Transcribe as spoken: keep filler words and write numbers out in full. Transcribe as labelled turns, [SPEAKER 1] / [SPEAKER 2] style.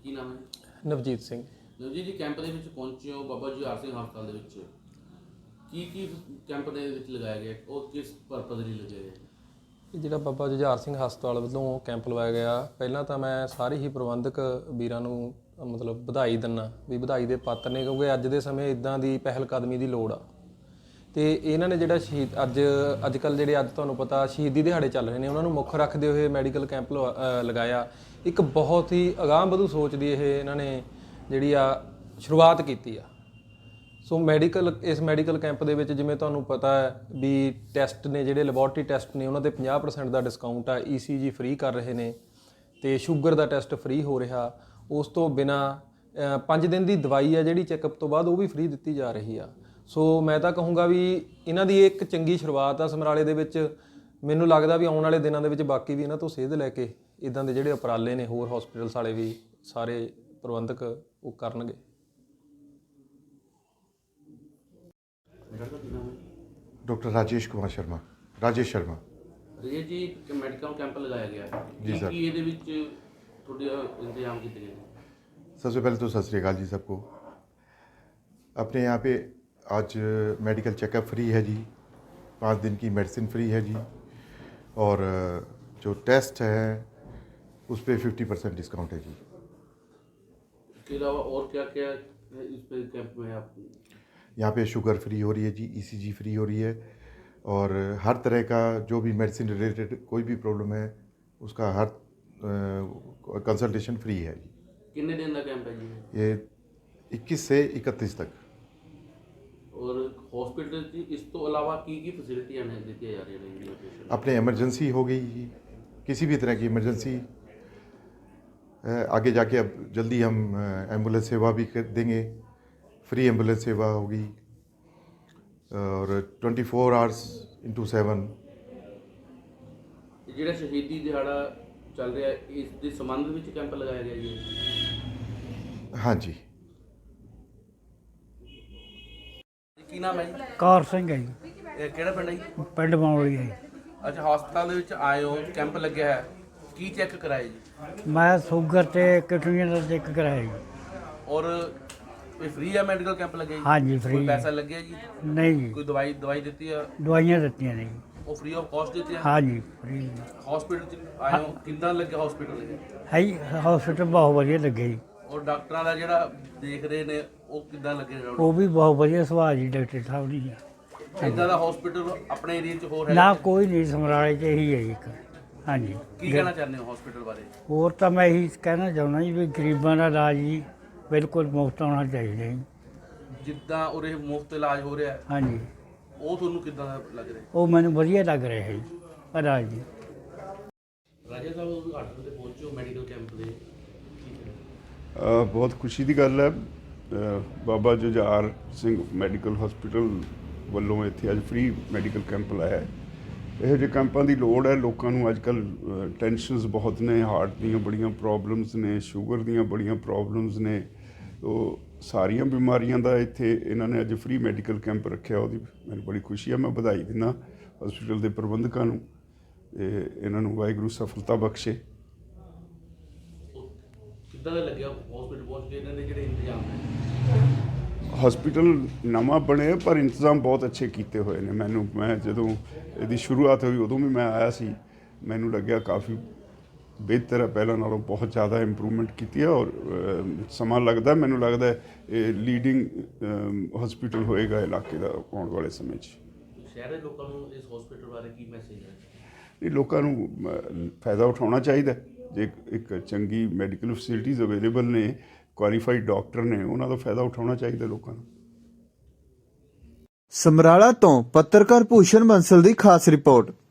[SPEAKER 1] ਕੀ ਨਾਮ ਹੈ?
[SPEAKER 2] ਨਵਜੀਤ ਸਿੰਘ।
[SPEAKER 1] ਨਵਜੀਤ ਜੀ ਕੈਂਪ ਦੇ ਵਿੱਚ ਪਹੁੰਚੇ ਹੋ ਬਾਬਾ ਜੁਝਾਰ ਸਿੰਘ ਹਸਪਤਾਲ ਦੇ ਵਿੱਚ, ਕੀ ਕੀ ਕੈਂਪ ਦੇ ਵਿੱਚ ਲਗਾਇਆ ਗਿਆ ਔਰ ਕਿਸ ਪਰਪਸ ਲਈ ਲਗਾਇਆ ਗਿਆ?
[SPEAKER 2] ਇਹ ਜਿਹੜਾ ਬਾਬਾ ਜੁਝਾਰ ਸਿੰਘ ਹਸਪਤਾਲ ਵੱਲੋਂ ਕੈਂਪ ਲਵਾਇਆ ਗਿਆ, ਪਹਿਲਾਂ ਤਾਂ ਮੈਂ ਸਾਰੇ ਹੀ ਪ੍ਰਬੰਧਕ ਵੀਰਾਂ ਨੂੰ ਮਤਲਬ ਵਧਾਈ ਦਿੰਦਾ ਵੀ ਵਧਾਈ ਦੇ ਪਾਤਰ ਨੇ, ਕਿਉਂਕਿ ਅੱਜ ਦੇ ਸਮੇਂ ਇਦਾਂ ਦੀ ਪਹਿਲ ਕਦਮੀ ਦੀ ਲੋੜ ਆ। ਤੇ ਇਹਨਾਂ ਨੇ ਜਿਹੜਾ ਸ਼ਹੀਦ ਅੱਜ ਅੱਜ ਕੱਲ੍ਹ ਜਿਹੜੇ ਅੱਜ ਤੁਹਾਨੂੰ ਪਤਾ ਸ਼ਹੀਦੀ ਦਿਹਾੜੇ ਚੱਲ ਰਹੇ ਨੇ, ਉਹਨਾਂ ਨੂੰ ਮੁੱਖ ਰੱਖਦੇ ਹੋਏ ਮੈਡੀਕਲ ਕੈਂਪ ਲਗਾਇਆ। ਇੱਕ ਬਹੁਤ ਹੀ ਅਗਾਂਹ ਵਧੂ ਸੋਚ ਦੀ ਇਹ ਇਹਨਾਂ ਨੇ ਜਿਹੜੀ ਆ ਸ਼ੁਰੂਆਤ ਕੀਤੀ ਆ। ਸੋ ਮੈਡੀਕਲ ਇਸ ਮੈਡੀਕਲ ਕੈਂਪ ਦੇ ਵਿੱਚ ਜਿਵੇਂ ਤੁਹਾਨੂੰ ਪਤਾ ਹੈ ਵੀ ਟੈਸਟ ਨੇ, ਜਿਹੜੇ ਲੈਬੋਰਟਰੀ ਟੈਸਟ ਨੇ ਉਹਨਾਂ 'ਤੇ ਪੰਜਾਹ ਪਰਸੈਂਟ ਦਾ ਡਿਸਕਾਊਂਟ ਆ। ਈ ਸੀ ਜੀ ਫ੍ਰੀ ਕਰ ਰਹੇ ਨੇ ਅਤੇ ਸ਼ੂਗਰ ਦਾ ਟੈਸਟ ਫ੍ਰੀ ਹੋ ਰਿਹਾ। ਉਸ ਤੋਂ ਬਿਨਾਂ ਪੰਜ ਦਿਨ ਦੀ ਦਵਾਈ ਆ ਜਿਹੜੀ ਚੈੱਕਅਪ ਤੋਂ ਬਾਅਦ ਉਹ ਵੀ ਫ੍ਰੀ ਦਿੱਤੀ ਜਾ ਰਹੀ ਆ। ਸੋ ਮੈਂ ਤਾਂ ਕਹੂੰਗਾ ਵੀ ਇਹਨਾਂ ਦੀ ਇੱਕ ਚੰਗੀ ਸ਼ੁਰੂਆਤ ਆ ਸਮਰਾਲੇ ਦੇ ਵਿੱਚ। ਮੈਨੂੰ ਲੱਗਦਾ ਵੀ ਆਉਣ ਵਾਲੇ ਦਿਨਾਂ ਦੇ ਵਿੱਚ ਬਾਕੀ ਵੀ ਇਹਨਾਂ ਤੋਂ ਸੇਧ ਲੈ ਕੇ ਇੱਦਾਂ ਦੇ ਜਿਹੜੇ ਉਪਰਾਲੇ ਨੇ ਹੋਰ ਹੌਸਪੀਟਲਸ ਵਾਲੇ ਵੀ ਸਾਰੇ ਪ੍ਰਬੰਧਕ ਉਹ ਕਰਨਗੇ।
[SPEAKER 3] Doctor Rajesh Kumar Sharma Rajesh Sharma
[SPEAKER 1] Rajesh ji medical camp ਲਗਾਇਆ ਗਿਆ
[SPEAKER 3] जी सर।
[SPEAKER 1] ਕੀ ਇਹਦੇ ਵਿੱਚ ਤੁਹਾਡੇ ਇੰਤਜ਼ਾਮ ਕੀਤੇ ਗਏ?
[SPEAKER 3] सबसे पहले तो सत श्री अकाल जी सबको। अपने यहाँ पे आज मेडिकल चेकअप फ्री है जी, पाँच दिन की मेडिसिन फ्री है जी, और जो टेस्ट है उस पर फिफ्टी परसेंट डिस्काउंट है जी।
[SPEAKER 1] इसके अलावा और क्या क्या है इस पे कैंप में? आप
[SPEAKER 3] यहाँ पे शुगर फ्री हो रही है जी, ईसीजी फ्री हो रही है, और हर तरह का जो भी मेडिसिन रिलेटेड कोई भी प्रॉब्लम है उसका हर कंसल्टेशन फ्री है जी।
[SPEAKER 1] कितने दिन का कैंप है जी
[SPEAKER 3] ये इक्कीस से इकतीस तक।
[SPEAKER 1] और हॉस्पिटल की इस तो अलावा की की फैसिलिटियां हैं दी जा रही हैं?
[SPEAKER 3] अपने इमरजेंसी हो गई जी, किसी भी तरह की इमरजेंसी, आगे जाके अब जल्दी हम एम्बुलेंस सेवा भी कर देंगे, फ्री एम्बुलेंस सेवा होगी, और twenty four hours into seven.
[SPEAKER 1] ਜਿਹੜਾ ਸ਼ਹੀਦੀ ਦਿਹਾੜਾ ਚੱਲ ਰਿਹਾ ਇਸ ਦੇ ਸੰਬੰਧ ਵਿੱਚ ਕੈਂਪ ਲਗਾਇਆ ਗਿਆ ਜੀ?
[SPEAKER 3] हाँ जी।
[SPEAKER 1] ਕੀ ਨਾਮ ਹੈ ਜੀ?
[SPEAKER 4] ਕਾਰ ਸਿੰਘ ਹੈ ਜੀ,
[SPEAKER 1] ਇਹ ਕਿਹੜਾ ਪਿੰਡ ਹੈ ਜੀ?
[SPEAKER 4] ਪਿੰਡ ਮੌਲੀ ਹੈ ਜੀ।
[SPEAKER 1] ਅੱਛਾ, ਹਸਪਤਾਲ ਦੇ ਵਿੱਚ ਆਏ ਹੋ, ਕੈਂਪ ਲੱਗਿਆ ਹੈ, ਕੀ ਚੈੱਕ ਕਰਾਇਆ ਜੀ?
[SPEAKER 4] ਮੈਂ ਸ਼ੂਗਰ ਤੇ ਕਿਡਨੀਆਂ ਦਾ ਚੈੱਕ ਕਰਾਇਆ ਜੀ।
[SPEAKER 1] ਔਰ ਇਹ ਫ੍ਰੀ ਹੈ ਮੈਡੀਕਲ ਕੈਂਪ ਲੱਗਿਆ ਜੀ?
[SPEAKER 4] ਹਾਂਜੀ
[SPEAKER 1] ਕੋਈ
[SPEAKER 4] ਫ੍ਰੀ।
[SPEAKER 1] ਪੈਸਾ ਲੱਗਿਆ ਜੀ?
[SPEAKER 4] ਨਹੀਂ ਜੀ,
[SPEAKER 1] ਕੋਈ ਦਵਾਈ ਦਵਾਈ ਦਿੱਤੀ ਹੈ?
[SPEAKER 4] ਦਵਾਈਆਂ ਦਿੱਤੀਆਂ ਨੇ ਜੀ।
[SPEAKER 1] ਉਹ ਫ੍ਰੀ ਆਫ ਕਾਸਟ ਦਿੱਤੀ ਹੈ?
[SPEAKER 4] ਹਾਂਜੀ ਫ੍ਰੀ
[SPEAKER 1] ਹਸਪੀਟਲ ਚ ਆਏ ਹੋ, ਕਿੰਨਾ ਲੱਗਿਆ ਹਸਪੀਟਲ?
[SPEAKER 4] ਹੈ ਜੀ। ਹਸਪੀਟਲ ਬਹੁਤ ਵਧੀਆ ਲੱਗੇ ਜੀ।
[SPEAKER 1] ਔਰ ਡਾਕਟਰਾਂ ਦਾ ਜਿਹੜਾ ਦੇਖ ਰਹੇ ਨੇ ਉਹ ਕਿੱਦਾਂ ਲੱਗੇ?
[SPEAKER 4] ਉਹ ਵੀ ਬਹੁਤ ਵਧੀਆ ਸੁਭਾਅ ਜੀ ਡਾਕਟਰ ਸਾਹਿਬ ਦੀ।
[SPEAKER 1] ਇਦਾਂ ਦਾ ਹਸਪੀਟਲ ਆਪਣੇ ਏਰੀਆ 'ਚ ਹੋਰ ਹੈ?
[SPEAKER 4] ਨਾ ਕੋਈ ਨਹੀਂ, ਸਮਰਾਲੇ 'ਚ ਇਹੀ ਹੈ ਜੀ ਇੱਕ। ਹਾਂਜੀ।
[SPEAKER 1] ਕੀ ਕਹਿਣਾ ਚਾਹੁੰਦੇ ਹੋ ਹਸਪੀਟਲ ਬਾਰੇ?
[SPEAKER 4] ਹੋਰ ਤਾਂ ਮੈਂ ਇਹੀ ਕਹਿਣਾ ਚਾਹੁੰਦਾ ਜੀ ਵੀ ਗਰੀਬਾਂ ਦਾ ਇਲਾਜ ਜੀ ਬਿਲਕੁਲ ਮੁਫਤ ਹੋਣਾ ਚਾਹੀਦਾ ਜੀ।
[SPEAKER 1] ਜਿੱਦਾਂ ਉਰੇ ਮੁਫਤ ਇਲਾਜ ਹੋ ਰਿਹਾ
[SPEAKER 4] ਹਾਂਜੀ,
[SPEAKER 1] ਉਹ ਤੁਹਾਨੂੰ ਕਿੱਦਾਂ ਦਾ ਲੱਗ ਰਿਹਾ?
[SPEAKER 4] ਉਹ ਮੈਨੂੰ ਵਧੀਆ ਲੱਗ ਰਿਹਾ ਹੈ ਜੀ ਇਲਾਜ ਜੀ।
[SPEAKER 1] ਰਾਜਾ ਸਾਹਿਬ ਉਦਘਾਟਨ ਤੇ ਪਹੁੰਚੋ ਮੈਡੀਕਲ ਕੈਂਪ ਦੇ,
[SPEAKER 5] ਅ, ਬਹੁਤ ਖੁਸ਼ੀ ਦੀ ਗੱਲ ਹੈ। ਅ, ਬਾਬਾ ਜੁਝਾਰ ਸਿੰਘ ਮੈਡੀਕਲ ਹਸਪੀਟਲ ਵੱਲੋਂ ਇੱਥੇ ਅੱਜ ਫ੍ਰੀ ਮੈਡੀਕਲ ਕੈਂਪ ਲਾਇਆ ਹੈ। ਇਹੋ ਜਿਹੇ ਕੈਂਪਾਂ ਦੀ ਲੋੜ ਹੈ। ਲੋਕਾਂ ਨੂੰ ਅੱਜ ਕੱਲ੍ਹ ਟੈਨਸ਼ਨਸ ਬਹੁਤ ਨੇ, ਹਾਰਟ ਦੀਆਂ ਬੜੀਆਂ ਪ੍ਰੋਬਲਮਸ ਨੇ, ਸ਼ੂਗਰ ਦੀਆਂ ਬੜੀਆਂ ਪ੍ਰੋਬਲਮਸ ਨੇ। ਉਹ ਸਾਰੀਆਂ ਬਿਮਾਰੀਆਂ ਦਾ ਇੱਥੇ ਇਹਨਾਂ ਨੇ ਅੱਜ ਫ੍ਰੀ ਮੈਡੀਕਲ ਕੈਂਪ ਰੱਖਿਆ, ਉਹਦੀ ਮੈਨੂੰ ਬੜੀ ਖੁਸ਼ੀ ਹੈ। ਮੈਂ ਵਧਾਈ ਦਿੰਦਾ ਹਸਪੀਟਲ ਦੇ ਪ੍ਰਬੰਧਕਾਂ ਨੂੰ, ਤੇ ਇਹਨਾਂ ਨੂੰ ਵਾਹਿਗੁਰੂ ਸਫਲਤਾ ਬਖਸ਼ੇ।
[SPEAKER 1] ਕਿੱਦਾਂ ਦਾ ਲੱਗਿਆ ਹਸਪੀਟਲ ਪਹੁੰਚ ਕੇ ਇਹਨਾਂ ਦੇ ਜਿਹੜੇ ਇੰਤਜ਼ਾਮ ਨੇ?
[SPEAKER 5] ਹਸਪੀਟਲ ਨਵਾਂ ਬਣਿਆ ਪਰ ਇੰਤਜ਼ਾਮ ਬਹੁਤ ਅੱਛੇ ਕੀਤੇ ਹੋਏ ਨੇ। ਮੈਨੂੰ ਮੈਂ ਜਦੋਂ ਇਹਦੀ ਸ਼ੁਰੂਆਤ ਹੋਈ ਉਦੋਂ ਵੀ ਮੈਂ ਆਇਆ ਸੀ, ਮੈਨੂੰ ਲੱਗਿਆ ਕਾਫੀ ਬਿਹਤਰ ਹੈ, ਪਹਿਲਾਂ ਨਾਲੋਂ ਬਹੁਤ ਜ਼ਿਆਦਾ ਇੰਪਰੂਵਮੈਂਟ ਕੀਤੀ ਹੈ। ਔਰ ਸਮਾਂ ਲੱਗਦਾ, ਮੈਨੂੰ ਲੱਗਦਾ ਇਹ ਲੀਡਿੰਗ ਹਸਪੀਟਲ ਹੋਏਗਾ ਇਲਾਕੇ ਦਾ ਆਉਣ ਵਾਲੇ ਸਮੇਂ 'ਚ।
[SPEAKER 1] ਸ਼ਹਿਰ ਦੇ ਲੋਕਾਂ ਨੂੰ ਇਸ ਹਸਪੀਟਲ ਬਾਰੇ ਕੀ ਮੈਸੇਜ ਹੈ?
[SPEAKER 5] ਇਹ ਲੋਕਾਂ ਨੂੰ ਫਾਇਦਾ ਉਠਾਉਣਾ ਚਾਹੀਦਾ। ਜੇ ਇੱਕ ਚੰਗੀ ਮੈਡੀਕਲ ਫੈਸਿਲਿਟੀਜ਼ ਅਵੇਲੇਬਲ ਨੇ, ਕੁਆਲੀਫਾਈਡ ਡਾਕਟਰ ਨੇ, ਉਹਨਾਂ ਦਾ ਫਾਇਦਾ ਉਠਾਉਣਾ ਚਾਹੀਦਾ ਲੋਕਾਂ ਨੂੰ।
[SPEAKER 6] ਸਮਰਾਲਾ ਤੋਂ ਪੱਤਰਕਾਰ ਭੂਸ਼ਣ ਬੰਸਲ ਦੀ ਖਾਸ ਰਿਪੋਰਟ।